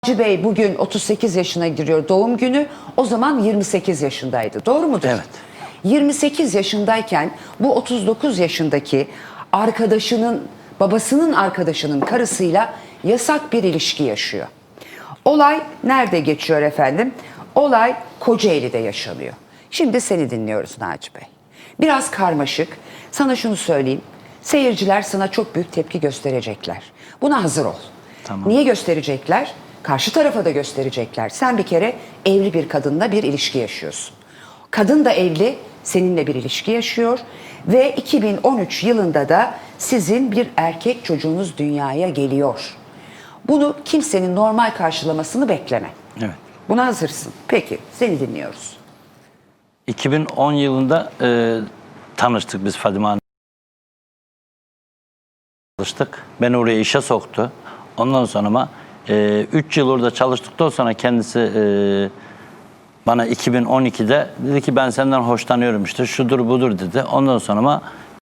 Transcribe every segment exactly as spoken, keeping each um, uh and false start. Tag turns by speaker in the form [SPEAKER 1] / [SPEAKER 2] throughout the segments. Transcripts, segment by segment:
[SPEAKER 1] Naci Bey bugün otuz sekiz yaşına giriyor, doğum günü. O zaman yirmi sekiz yaşındaydı. Doğru mudur?
[SPEAKER 2] Evet.
[SPEAKER 1] yirmi sekiz yaşındayken bu otuz dokuz yaşındaki arkadaşının, babasının arkadaşının karısıyla yasak bir ilişki yaşıyor. Olay nerede geçiyor efendim? Olay Kocaeli'de yaşanıyor. Şimdi seni dinliyoruz Naci Bey. Biraz karmaşık. Sana şunu söyleyeyim. Seyirciler sana çok büyük tepki gösterecekler. Buna hazır ol.
[SPEAKER 2] Tamam.
[SPEAKER 1] Niye gösterecekler? Karşı tarafa da gösterecekler. Sen bir kere evli bir kadınla bir ilişki yaşıyorsun. Kadın da evli, seninle bir ilişki yaşıyor ve iki bin on üç yılında da sizin bir erkek çocuğunuz dünyaya geliyor. Bunu kimsenin normal karşılamasını bekleme.
[SPEAKER 2] Evet.
[SPEAKER 1] Buna hazırsın. Peki, seni dinliyoruz.
[SPEAKER 2] iki bin on yılında e, tanıştık biz Fadime Hanım. Çalıştık. Beni oraya işe soktu. Ondan sonra üç yıl orada çalıştıktan sonra kendisi e, bana iki bin on ikide dedi ki ben senden hoşlanıyorum işte şudur budur dedi. Ondan sonra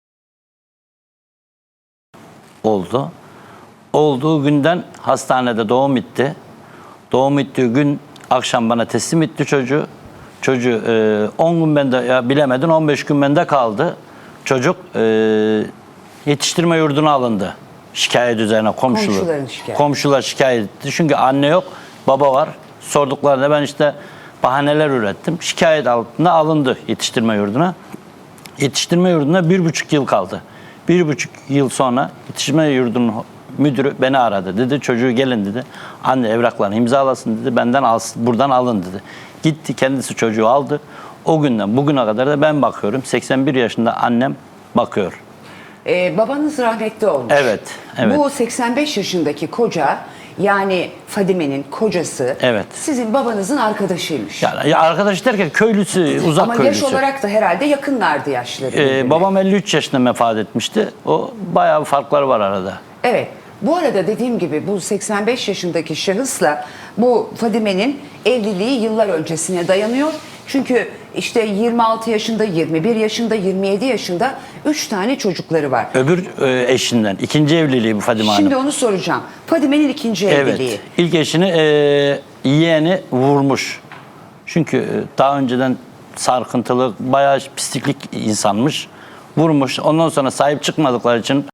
[SPEAKER 2] oldu. Olduğu günden hastanede doğum bitti. Doğum bittiği gün akşam bana teslim etti çocuğu. Çocuğu on gün bende, ya bilemedin on beş gün bende kaldı. Çocuk e, yetiştirme yurduna alındı. Şikayet üzerine komşular.
[SPEAKER 1] Şikayet.
[SPEAKER 2] Komşular şikayet etti. Çünkü anne yok, baba var. Sorduklarında ben işte bahaneler ürettim. Şikayet altında alındı yetiştirme yurduna. Yetiştirme yurduna bir buçuk yıl kaldı. Bir buçuk yıl sonra yetiştirme yurdunun müdürü beni aradı. Dedi çocuğu gelin dedi. Anne evraklarını imzalasın dedi. Benden alsın, buradan alın dedi. Gitti kendisi çocuğu aldı. O günden bugüne kadar da ben bakıyorum. seksen bir yaşında annem bakıyor.
[SPEAKER 1] Ee, babanız rahmetli olmuş.
[SPEAKER 2] Evet, evet.
[SPEAKER 1] Bu seksen beş yaşındaki koca, yani Fadime'nin kocası,
[SPEAKER 2] Evet.
[SPEAKER 1] sizin babanızın arkadaşıymış.
[SPEAKER 2] Yani ya arkadaş derken köylüsü, uzak
[SPEAKER 1] Ama
[SPEAKER 2] köylüsü.
[SPEAKER 1] yaş olarak da herhalde yakınlardı yaşları.
[SPEAKER 2] Ee, babam elli üç yaşında vefat etmişti. O bayağı farkları var arada.
[SPEAKER 1] Evet. Bu arada dediğim gibi bu seksen beş yaşındaki şahısla bu Fadime'nin evliliği yıllar öncesine dayanıyor. Çünkü işte yirmi altı yaşında, yirmi bir yaşında, yirmi yedi yaşında üç tane çocukları var.
[SPEAKER 2] Öbür e, eşinden. ikinci evliliği bu Fadime Hanım.
[SPEAKER 1] Şimdi onu soracağım. Fadime'nin ikinci evliliği.
[SPEAKER 2] Evet. İlk eşini e, yeğeni vurmuş. Çünkü e, daha önceden sarkıntılı, bayağı pisliklik insanmış. Vurmuş. Ondan sonra sahip çıkmadıkları için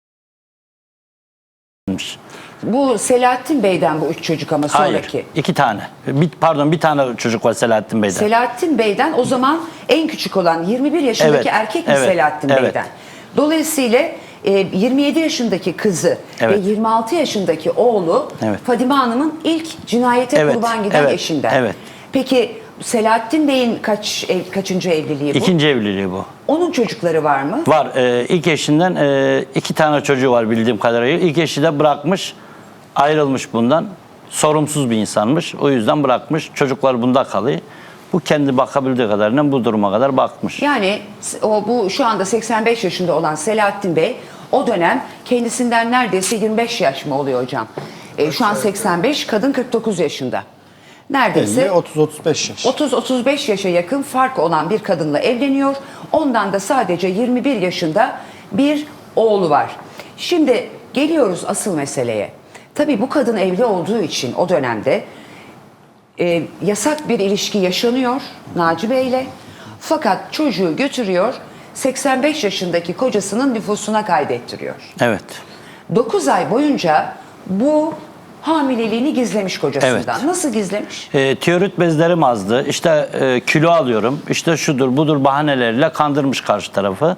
[SPEAKER 1] Bu Selahattin Bey'den bu üç çocuk ama sonraki.
[SPEAKER 2] Hayır. iki tane. Bir, pardon bir tane çocuk var Selahattin Bey'den.
[SPEAKER 1] Selahattin Bey'den o zaman en küçük olan yirmi bir yaşındaki
[SPEAKER 2] Evet,
[SPEAKER 1] erkek mi
[SPEAKER 2] evet,
[SPEAKER 1] Selahattin
[SPEAKER 2] evet.
[SPEAKER 1] Bey'den? Dolayısıyla e, yirmi yedi yaşındaki kızı
[SPEAKER 2] Evet.
[SPEAKER 1] ve yirmi altı yaşındaki oğlu
[SPEAKER 2] Evet.
[SPEAKER 1] Fadime Hanım'ın ilk cinayete
[SPEAKER 2] Evet,
[SPEAKER 1] kurban giden
[SPEAKER 2] evet,
[SPEAKER 1] eşinden.
[SPEAKER 2] evet.
[SPEAKER 1] Peki Selahattin Bey'in kaç ev, kaçıncı evliliği bu?
[SPEAKER 2] İkinci evliliği bu.
[SPEAKER 1] Onun çocukları var mı?
[SPEAKER 2] Var. E, ilk eşinden e, iki tane çocuğu var bildiğim kadarıyla. İlk eşi de bırakmış, ayrılmış bundan. Sorumsuz bir insanmış. O yüzden bırakmış. Çocuklar bunda kalıyor. Bu kendi bakabildiği kadarıyla bu duruma kadar bakmış.
[SPEAKER 1] Yani o bu şu anda seksen beş yaşında olan Selahattin Bey o dönem kendisinden neredeyse yirmi beş yaş mı oluyor hocam? E, şu an seksen beş, kadın kırk dokuz yaşında. Neredeyse
[SPEAKER 3] otuz otuz beş yaş.
[SPEAKER 1] otuz otuz beş yaşa yakın fark olan bir kadınla evleniyor. Ondan da sadece yirmi bir yaşında bir oğlu var. Şimdi geliyoruz asıl meseleye. Tabii bu kadın evli olduğu için o dönemde e, yasak bir ilişki yaşanıyor Naci Bey'le. Fakat çocuğu götürüyor, seksen beş yaşındaki kocasının nüfusuna kaydettiriyor.
[SPEAKER 2] Evet.
[SPEAKER 1] dokuz ay boyunca bu hamileliğini gizlemiş kocasından.
[SPEAKER 2] Evet.
[SPEAKER 1] Nasıl gizlemiş?
[SPEAKER 2] E, tiroid bezlerim azdı. İşte e, kilo alıyorum. İşte şudur budur bahaneleriyle kandırmış karşı tarafı.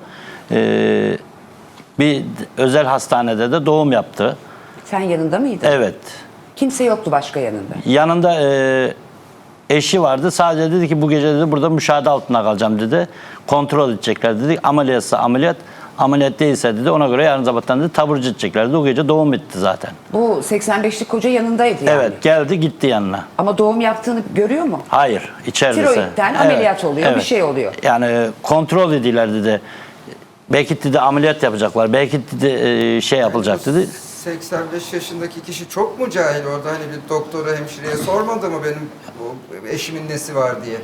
[SPEAKER 2] E, bir özel hastanede de doğum yaptı.
[SPEAKER 1] Sen yanında mıydın?
[SPEAKER 2] Evet.
[SPEAKER 1] Kimse yoktu başka yanında.
[SPEAKER 2] Yanında e, eşi vardı. Sadece dedi ki bu gece dedi burada müşahede altında kalacağım dedi. Kontrol edecekler dedi. Ameliyatsa ameliyat, ameliyat değilse dedi ona göre yarın sabahtan dedi taburcu edecekler dedi. O gece doğum bitti zaten.
[SPEAKER 1] Bu seksen beşlik koca yanındaydı yani.
[SPEAKER 2] Evet geldi gitti yanına.
[SPEAKER 1] Ama doğum yaptığını görüyor mu?
[SPEAKER 2] Hayır içeride.
[SPEAKER 1] Tiroidten ameliyat oluyor, bir şey oluyor.
[SPEAKER 2] Yani e, kontrol ediyorlar dedi. Belki dedi ameliyat yapacaklar. Belki dedi e, şey yapılacak dedi.
[SPEAKER 4] seksen beş yaşındaki kişi çok mu cahil orada, hani bir doktora hemşireye sormadı mı benim bu eşimin nesi var diye?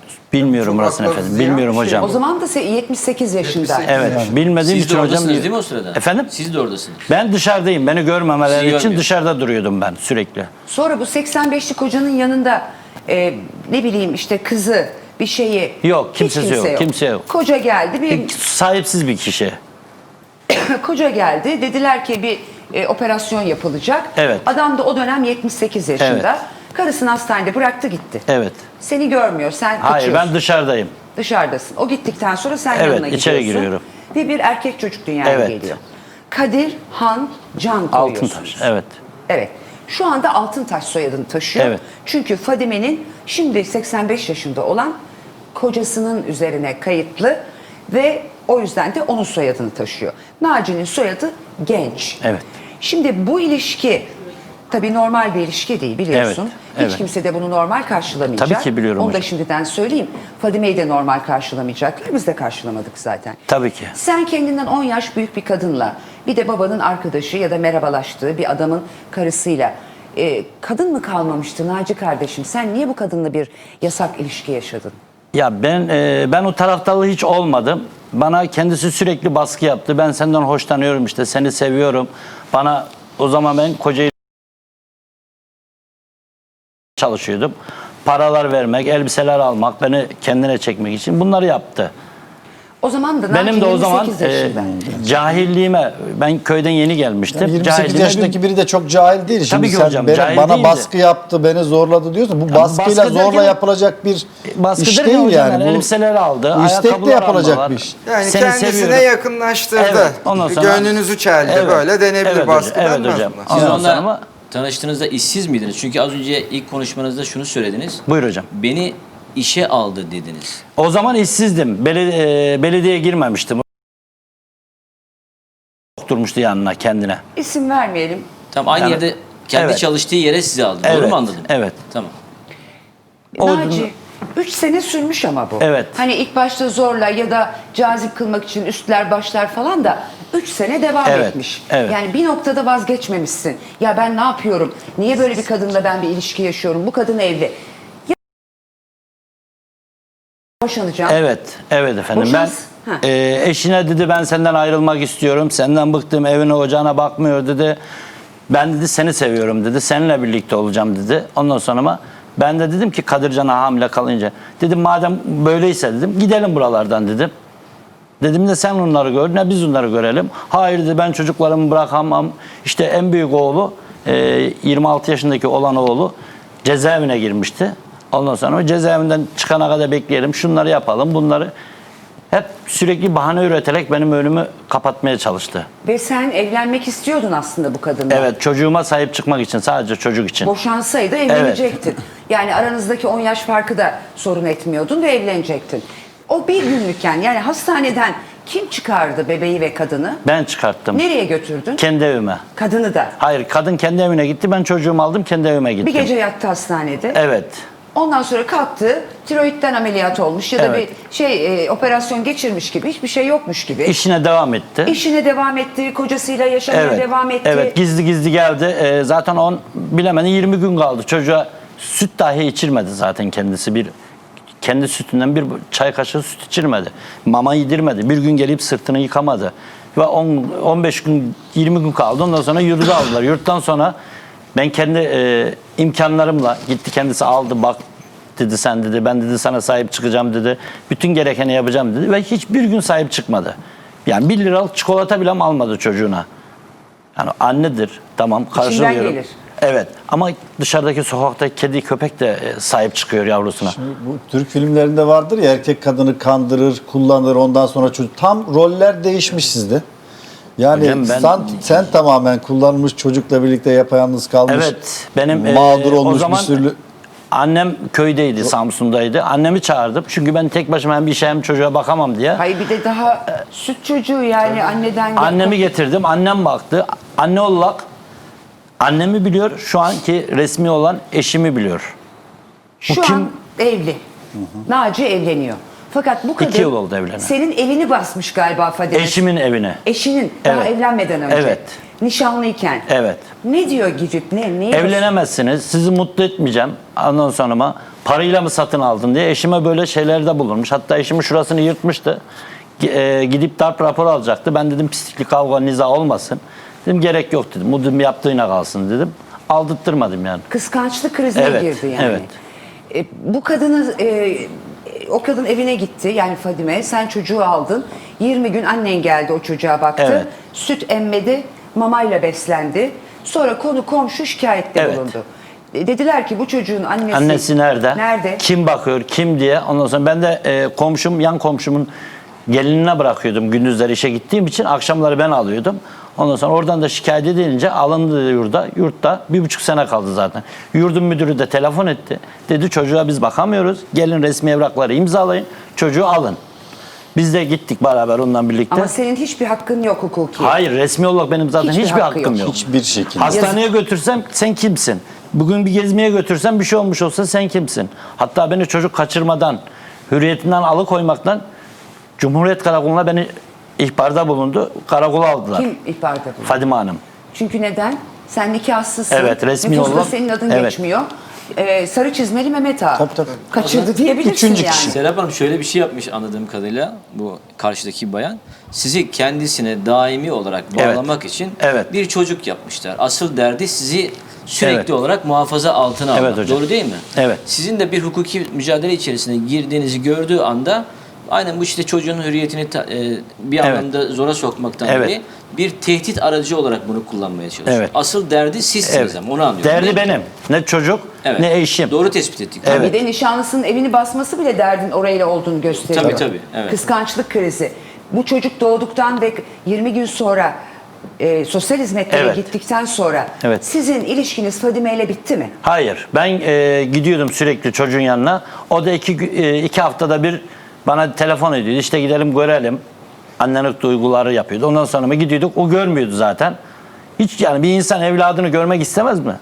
[SPEAKER 2] Bilmiyorum
[SPEAKER 4] Çok
[SPEAKER 2] orasını
[SPEAKER 4] haklı
[SPEAKER 2] efendim.
[SPEAKER 4] ziyan
[SPEAKER 2] Bilmiyorum
[SPEAKER 4] bir şey.
[SPEAKER 2] hocam.
[SPEAKER 1] O zaman da se- yetmiş sekiz yaşında.
[SPEAKER 2] Evet. Bilmediğim
[SPEAKER 3] Siz
[SPEAKER 2] için
[SPEAKER 3] de
[SPEAKER 2] hocam.
[SPEAKER 3] oradasınız değil mi o sırada?
[SPEAKER 2] Efendim?
[SPEAKER 3] Siz de oradasınız.
[SPEAKER 2] Ben dışarıdayım. Beni görmemeleri
[SPEAKER 3] Sizi
[SPEAKER 2] için
[SPEAKER 3] görmüyor.
[SPEAKER 2] dışarıda duruyordum ben sürekli.
[SPEAKER 1] Sonra bu seksen beşlik kocanın yanında e, ne bileyim işte kızı bir şeyi.
[SPEAKER 2] Yok,
[SPEAKER 1] hiç
[SPEAKER 2] kimsesi yok, kimse yok.
[SPEAKER 1] Koca geldi bir
[SPEAKER 2] Sahipsiz bir kişi.
[SPEAKER 1] koca geldi. Dediler ki bir e, operasyon yapılacak.
[SPEAKER 2] Evet.
[SPEAKER 1] Adam da o dönem yetmiş sekiz yaşında.
[SPEAKER 2] Evet.
[SPEAKER 1] Karısını hastanede bıraktı gitti.
[SPEAKER 2] Evet.
[SPEAKER 1] Seni görmüyor. Sen
[SPEAKER 2] Hayır,
[SPEAKER 1] kaçıyorsun.
[SPEAKER 2] ben dışarıdayım.
[SPEAKER 1] Dışarıdasın. O gittikten sonra sen
[SPEAKER 2] Evet,
[SPEAKER 1] yanına gidiyorsun.
[SPEAKER 2] içeri giriyorum.
[SPEAKER 1] Ve bir erkek çocuk dünyaya
[SPEAKER 2] Evet.
[SPEAKER 1] geliyor. Kadir Han Can koyuyorsunuz.
[SPEAKER 2] Altıntaş. Evet.
[SPEAKER 1] Evet. Şu anda Altıntaş soyadını taşıyor.
[SPEAKER 2] Evet.
[SPEAKER 1] Çünkü Fadime'nin şimdi seksen beş yaşında olan kocasının üzerine kayıtlı ve o yüzden de onun soyadını taşıyor. Naci'nin soyadı Genç.
[SPEAKER 2] Evet.
[SPEAKER 1] Şimdi bu ilişki tabii normal bir ilişki değil biliyorsun.
[SPEAKER 2] Evet,
[SPEAKER 1] Hiç
[SPEAKER 2] evet.
[SPEAKER 1] kimse de bunu normal karşılamayacak.
[SPEAKER 2] Tabii ki biliyorum
[SPEAKER 1] Onu da
[SPEAKER 2] hocam.
[SPEAKER 1] şimdiden söyleyeyim. Fadime'yi de normal karşılamayacaklar. Biz de karşılamadık zaten.
[SPEAKER 2] Tabii ki.
[SPEAKER 1] Sen kendinden on yaş büyük bir kadınla bir de babanın arkadaşı ya da merhabalaştığı bir adamın karısıyla e, kadın mı kalmamıştı Naci kardeşim? Sen niye bu kadınla bir yasak ilişki yaşadın?
[SPEAKER 2] Ya ben e, ben o taraftarlı hiç olmadım. Bana kendisi sürekli baskı yaptı. Ben senden hoşlanıyorum işte, seni seviyorum. Bana o zaman ben kocayı çalışıyordum. Paralar vermek, elbiseler almak, beni kendine çekmek için bunları yaptı.
[SPEAKER 1] O zaman da
[SPEAKER 2] Benim
[SPEAKER 1] Naci
[SPEAKER 2] de o
[SPEAKER 1] yirmi
[SPEAKER 2] zaman
[SPEAKER 1] sekiz
[SPEAKER 2] e,
[SPEAKER 1] yaşında.
[SPEAKER 2] cahilliğime, ben köyden yeni gelmiştim.
[SPEAKER 5] Yani yirmi sekiz
[SPEAKER 2] Cahilliğime
[SPEAKER 5] yaşındaki biri de çok cahil değil. Şimdi
[SPEAKER 2] Tabii ki
[SPEAKER 5] sen
[SPEAKER 2] hocam,
[SPEAKER 5] beni-
[SPEAKER 2] cahil
[SPEAKER 5] bana
[SPEAKER 2] değildi.
[SPEAKER 5] baskı yaptı, beni zorladı diyorsun. Bu baskıyla
[SPEAKER 2] baskı
[SPEAKER 5] zorla
[SPEAKER 2] derken-
[SPEAKER 5] yapılacak bir
[SPEAKER 2] baskı
[SPEAKER 5] iş
[SPEAKER 2] derken
[SPEAKER 5] değil
[SPEAKER 2] hocam
[SPEAKER 5] yani. Bu,
[SPEAKER 2] elbiseleri aldı,
[SPEAKER 5] bu istekle
[SPEAKER 2] ayakkabılar
[SPEAKER 5] yapılacak
[SPEAKER 2] aldılar.
[SPEAKER 5] bir iş.
[SPEAKER 4] Yani
[SPEAKER 2] Seni
[SPEAKER 4] kendisine
[SPEAKER 2] seviyorum.
[SPEAKER 4] yakınlaştırdı.
[SPEAKER 2] Evet, ondan sonra-
[SPEAKER 4] Gönlünüzü çeldi.
[SPEAKER 2] Evet,
[SPEAKER 4] Böyle denebilir,
[SPEAKER 2] evet hocam,
[SPEAKER 4] baskı
[SPEAKER 2] evet
[SPEAKER 4] denmez
[SPEAKER 2] hocam.
[SPEAKER 4] buna.
[SPEAKER 3] Siz
[SPEAKER 2] Ondan sonra
[SPEAKER 3] onunla
[SPEAKER 2] ama-
[SPEAKER 3] tanıştığınızda işsiz miydiniz? Çünkü az önce ilk konuşmanızda şunu söylediniz.
[SPEAKER 2] Buyur hocam.
[SPEAKER 3] Beni işe aldı dediniz.
[SPEAKER 2] O zaman işsizdim. Belediye, e, belediyeye girmemiştim. Durmuştu yanına kendine.
[SPEAKER 1] İsim vermeyelim.
[SPEAKER 3] Tam aynı
[SPEAKER 2] Yani-
[SPEAKER 3] yerde kendi
[SPEAKER 2] Evet.
[SPEAKER 3] çalıştığı yere sizi aldı. Doğru
[SPEAKER 2] Evet,
[SPEAKER 3] mu anladım?
[SPEAKER 2] evet.
[SPEAKER 3] Tamam.
[SPEAKER 2] O-
[SPEAKER 1] Naci üç sene sürmüş ama bu.
[SPEAKER 2] Evet.
[SPEAKER 1] Hani ilk başta zorla ya da cazip kılmak için üstler başlar falan da üç sene devam
[SPEAKER 2] Evet,
[SPEAKER 1] etmiş.
[SPEAKER 2] evet.
[SPEAKER 1] Yani bir noktada vazgeçmemişsin. Ya ben ne yapıyorum? Niye böyle bir kadınla ben bir ilişki yaşıyorum? Bu kadın evli. Ya boşanacağım.
[SPEAKER 2] Evet, evet efendim.
[SPEAKER 1] Boşans-
[SPEAKER 2] Ben
[SPEAKER 1] Ha.
[SPEAKER 2] e, eşine dedi ben senden ayrılmak istiyorum. Senden bıktım, evine ocağına bakmıyor dedi. Ben dedi seni seviyorum dedi. Seninle birlikte olacağım dedi. Ondan sonra ama ben de dedim ki Kadircan'a hamile kalınca. Dedim madem böyleyse dedim gidelim buralardan dedim. Dedim de sen onları gör ne biz onları görelim. Hayır dedi ben çocuklarımı bırakamam. İşte en büyük oğlu e, yirmi altı yaşındaki olan oğlu cezaevine girmişti. Ondan sonra o cezaevinden çıkana kadar bekleyelim. Şunları yapalım bunları. Hep sürekli bahane üreterek benim önümü kapatmaya çalıştı.
[SPEAKER 1] Ve sen evlenmek istiyordun aslında bu kadınla.
[SPEAKER 2] Evet çocuğuma sahip çıkmak için sadece çocuk için.
[SPEAKER 1] Boşansaydı evlenecektin. Yani aranızdaki on yaş farkı da sorun etmiyordun ve evlenecektin. O bir günlükken yani hastaneden kim çıkardı bebeği ve kadını?
[SPEAKER 2] Ben çıkarttım.
[SPEAKER 1] Nereye götürdün?
[SPEAKER 2] Kendi evime.
[SPEAKER 1] Kadını da.
[SPEAKER 2] Hayır kadın kendi evine gitti ben çocuğumu aldım kendi evime gittim.
[SPEAKER 1] Bir gece yattı hastanede.
[SPEAKER 2] Evet.
[SPEAKER 1] Ondan sonra kalktı, tiroidden ameliyat olmuş ya da
[SPEAKER 2] Evet.
[SPEAKER 1] bir şey e, operasyon geçirmiş gibi, hiçbir şey yokmuş gibi.
[SPEAKER 2] İşine devam etti.
[SPEAKER 1] İşine devam etti, kocasıyla yaşamaya
[SPEAKER 2] Evet.
[SPEAKER 1] devam etti.
[SPEAKER 2] Evet gizli gizli geldi. Ee, zaten on bilemedi yirmi gün kaldı. Çocuğa süt dahi içirmedi zaten kendisi. Bir kendi sütünden bir çay kaşığı süt içirmedi. Mama yedirmedi. Bir gün gelip sırtını yıkamadı. Ve on on beş gün yirmi gün kaldı. Ondan sonra yurda aldılar. Yurttan sonra ben kendi e, imkanlarımla gitti kendisi aldı bak dedi sen dedi ben dedi sana sahip çıkacağım dedi. Bütün gerekeni yapacağım dedi ve hiçbir gün sahip çıkmadı. Yani bir liralık çikolata bile almadı çocuğuna. Yani annedir tamam karşılıyorum.
[SPEAKER 1] gelir.
[SPEAKER 2] Evet ama dışarıdaki sokaktaki kedi köpek de e, sahip çıkıyor yavrusuna.
[SPEAKER 5] Bu Türk filmlerinde vardır ya erkek kadını kandırır, kullanır ondan sonra çocuk. Tam roller değişmiş sizde. Yani
[SPEAKER 2] Hocam ben-
[SPEAKER 5] sen, sen tamamen kullanılmış çocukla birlikte yapayalnız kalmış.
[SPEAKER 2] Evet benim e,
[SPEAKER 5] mağdur
[SPEAKER 2] o
[SPEAKER 5] olmuş
[SPEAKER 2] zaman
[SPEAKER 5] bir sürü.
[SPEAKER 2] annem köydeydi Samsun'daydı. Annemi çağırdım çünkü ben tek başıma hem bir işe hem çocuğa bakamam diye.
[SPEAKER 1] Hayır bir de daha süt çocuğu yani anneden...
[SPEAKER 2] Annemi getirdim annem baktı. Anne olarak annemi biliyor şu anki resmi olan eşimi biliyor.
[SPEAKER 1] Şu
[SPEAKER 2] Bu
[SPEAKER 1] an
[SPEAKER 2] kim?
[SPEAKER 1] evli. Naci evleniyor. Fakat bu kadın
[SPEAKER 2] İki yıl oldu evlenen.
[SPEAKER 1] senin evini basmış galiba Fadime.
[SPEAKER 2] Eşimin evine.
[SPEAKER 1] Eşinin daha
[SPEAKER 2] Evet.
[SPEAKER 1] evlenmeden önce.
[SPEAKER 2] Evet.
[SPEAKER 1] Nişanlıyken.
[SPEAKER 2] Evet.
[SPEAKER 1] Ne diyor gidip ne? Neyi
[SPEAKER 2] Evlenemezsiniz. Sizi mutlu etmeyeceğim. Ondan sonra parayla mı satın aldın diye eşime böyle şeylerde bulunmuş. Hatta eşimin şurasını yırtmıştı. G- e, gidip darp raporu alacaktı. Ben dedim pislik, kavga, niza olmasın. Dedim gerek yok dedim. Bu dedim yaptığına kalsın dedim. Aldırttırmadım yani.
[SPEAKER 1] Kıskançlık krizine
[SPEAKER 2] Evet,
[SPEAKER 1] girdi yani.
[SPEAKER 2] evet.
[SPEAKER 1] E, bu kadını e, o kadın evine gitti yani Fadime, sen çocuğu aldın. yirmi gün annen geldi, o çocuğa baktı.
[SPEAKER 2] Evet.
[SPEAKER 1] Süt emmedi, mamayla beslendi. Sonra konu komşu şikayette
[SPEAKER 2] Evet.
[SPEAKER 1] bulundu. E, dediler ki bu çocuğun annesi
[SPEAKER 2] Annesi nerede?
[SPEAKER 1] Nerede?
[SPEAKER 2] Kim bakıyor? Kim diye. Ondan sonra ben de e, komşum, yan komşumun gelinine bırakıyordum gündüzleri işe gittiğim için. Akşamları ben alıyordum. Ondan sonra oradan da şikayet edilince alındı yurda. Yurtta bir buçuk sene kaldı zaten. Yurdun müdürü de telefon etti. Dedi çocuğa biz bakamıyoruz. Gelin resmi evrakları imzalayın. Çocuğu alın. Biz de gittik beraber onunla birlikte.
[SPEAKER 1] Ama senin hiçbir hakkın yok hukuki.
[SPEAKER 2] Hayır, resmi olarak benim zaten
[SPEAKER 1] Hiçbir
[SPEAKER 2] hiçbir,
[SPEAKER 1] hakkı
[SPEAKER 2] hakkım
[SPEAKER 1] yok.
[SPEAKER 2] yok.
[SPEAKER 5] Hiçbir şekilde.
[SPEAKER 2] Hastaneye götürsem sen kimsin? Bugün bir gezmeye götürsem bir şey olmuş olsa sen kimsin? Hatta beni çocuk kaçırmadan, hürriyetinden alıkoymaktan Cumhuriyet Karakolu'na beni ihbarda bulundu. Karakola aldılar.
[SPEAKER 1] Kim ihbarda bulundu?
[SPEAKER 2] Fadime Hanım.
[SPEAKER 1] Çünkü neden? Sen nikahsızsın.
[SPEAKER 2] Evet, resmi
[SPEAKER 1] Nüfusta
[SPEAKER 2] olarak-
[SPEAKER 1] senin adın
[SPEAKER 2] evet.
[SPEAKER 1] geçmiyor. Ee, sarı çizmeli Mehmet Ağa.
[SPEAKER 5] Tabii, tabii.
[SPEAKER 1] Kaçırdı diyebilirsin
[SPEAKER 5] Üçüncü
[SPEAKER 1] yani.
[SPEAKER 5] kişi.
[SPEAKER 3] Serap Hanım şöyle bir şey yapmış anladığım kadarıyla bu karşıdaki bayan. Sizi kendisine daimi olarak
[SPEAKER 2] Evet.
[SPEAKER 3] bağlamak için
[SPEAKER 2] Evet.
[SPEAKER 3] bir çocuk yapmışlar. Asıl derdi sizi sürekli
[SPEAKER 2] Evet.
[SPEAKER 3] olarak muhafaza altına almak.
[SPEAKER 2] Evet hocam.
[SPEAKER 3] Doğru değil mi?
[SPEAKER 2] Evet.
[SPEAKER 3] Sizin de bir hukuki mücadele içerisine girdiğinizi gördüğü anda aynen bu işte çocuğun hürriyetini ta- e, bir
[SPEAKER 2] Evet.
[SPEAKER 3] anlamda zora sokmaktan
[SPEAKER 2] Evet.
[SPEAKER 3] dolayı bir tehdit aracı olarak bunu kullanmaya çalışıyor.
[SPEAKER 2] Evet.
[SPEAKER 3] Asıl derdi sizsiniz
[SPEAKER 2] Evet.
[SPEAKER 3] ama onu anlıyorum. değil
[SPEAKER 2] Derdi
[SPEAKER 3] mi?
[SPEAKER 2] benim. Ne çocuk
[SPEAKER 3] Evet.
[SPEAKER 2] ne eşim.
[SPEAKER 3] Doğru tespit ettik.
[SPEAKER 2] Evet.
[SPEAKER 1] Bir de nişanlısının evini basması bile derdin orayla olduğunu gösteriyor.
[SPEAKER 3] Tabii, tabii, evet.
[SPEAKER 1] Kıskançlık krizi. Bu çocuk doğduktan ve yirmi gün sonra e, sosyal hizmetlere
[SPEAKER 2] Evet.
[SPEAKER 1] gittikten sonra
[SPEAKER 2] Evet.
[SPEAKER 1] sizin ilişkiniz Fadime ile bitti mi?
[SPEAKER 2] Hayır. Ben e, gidiyordum sürekli çocuğun yanına. O da iki, gü- e, iki haftada bir bana telefon ediyordu. İşte gidelim görelim. Annelik duyguları yapıyordu. Ondan sonra mı gidiyorduk. O görmüyordu zaten. Hiç yani bir insan evladını görmek istemez mi?